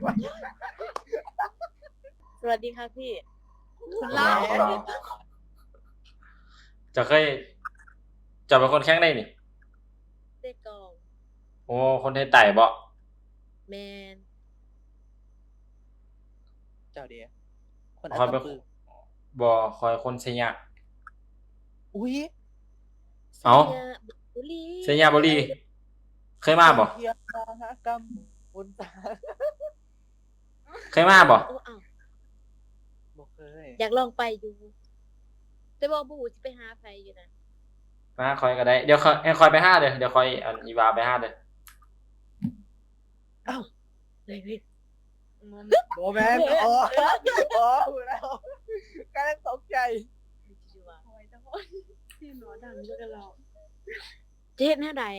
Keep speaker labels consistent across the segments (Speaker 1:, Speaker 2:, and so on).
Speaker 1: สวัสดีค่ะพี่
Speaker 2: คุณเล่า
Speaker 3: จะเคยจะเป็นคนแข้งได้นี่
Speaker 1: เต้กอง
Speaker 3: โอ้คนไทยไต่บ่
Speaker 1: แมน
Speaker 2: เจ้าเดียคน
Speaker 3: คอย
Speaker 2: อั
Speaker 3: เป็น
Speaker 2: ตปือ
Speaker 3: บ่คอยคนชัยยะ
Speaker 2: อุ้ย
Speaker 3: เอ้า
Speaker 1: สัญญบุรี
Speaker 3: ชัยยะบุรีเคยมาบ่
Speaker 2: เทียมหากรรมบนตา
Speaker 3: เคยมาบ่
Speaker 1: โอ้อ้าว
Speaker 2: บอกเคย
Speaker 1: อยากลองไปอยู่แต่บอกบูสิไปหาใครอยู่นะ
Speaker 3: มาคอยก็ได้ เดี๋ยวให้คอยไปห้าเด้อเดี๋ยวคอยอันอีวาไปห้าเด้อ
Speaker 1: เฮ้ย
Speaker 2: โบแมนอ๋อแล้วกำลังตกใจ
Speaker 1: โอ้ยจังคนที่หนอดังด้วยกันเราเจ๊หน้าใด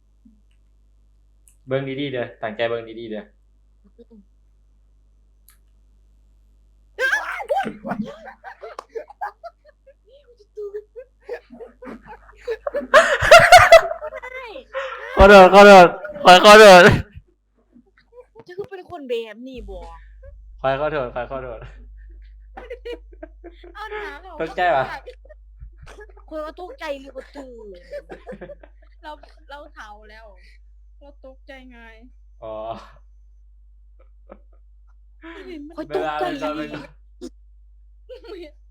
Speaker 3: เบิ่งดีๆเด้อตั้งใจเบิ่งดีๆเด้อ ขอโทษคอยขอโทษ
Speaker 1: จะคือเป็นคนแบบนี้บ่
Speaker 3: คอยขอโทษ
Speaker 1: เอาหนาเขา
Speaker 3: ตกใจปะ
Speaker 1: คนว่าตกใจหรือว่าตื่น
Speaker 4: เราเฒ่าแล้ว เราตกใจไง
Speaker 3: อ๋อ
Speaker 1: คอยตกใจ
Speaker 3: เวลาเล่น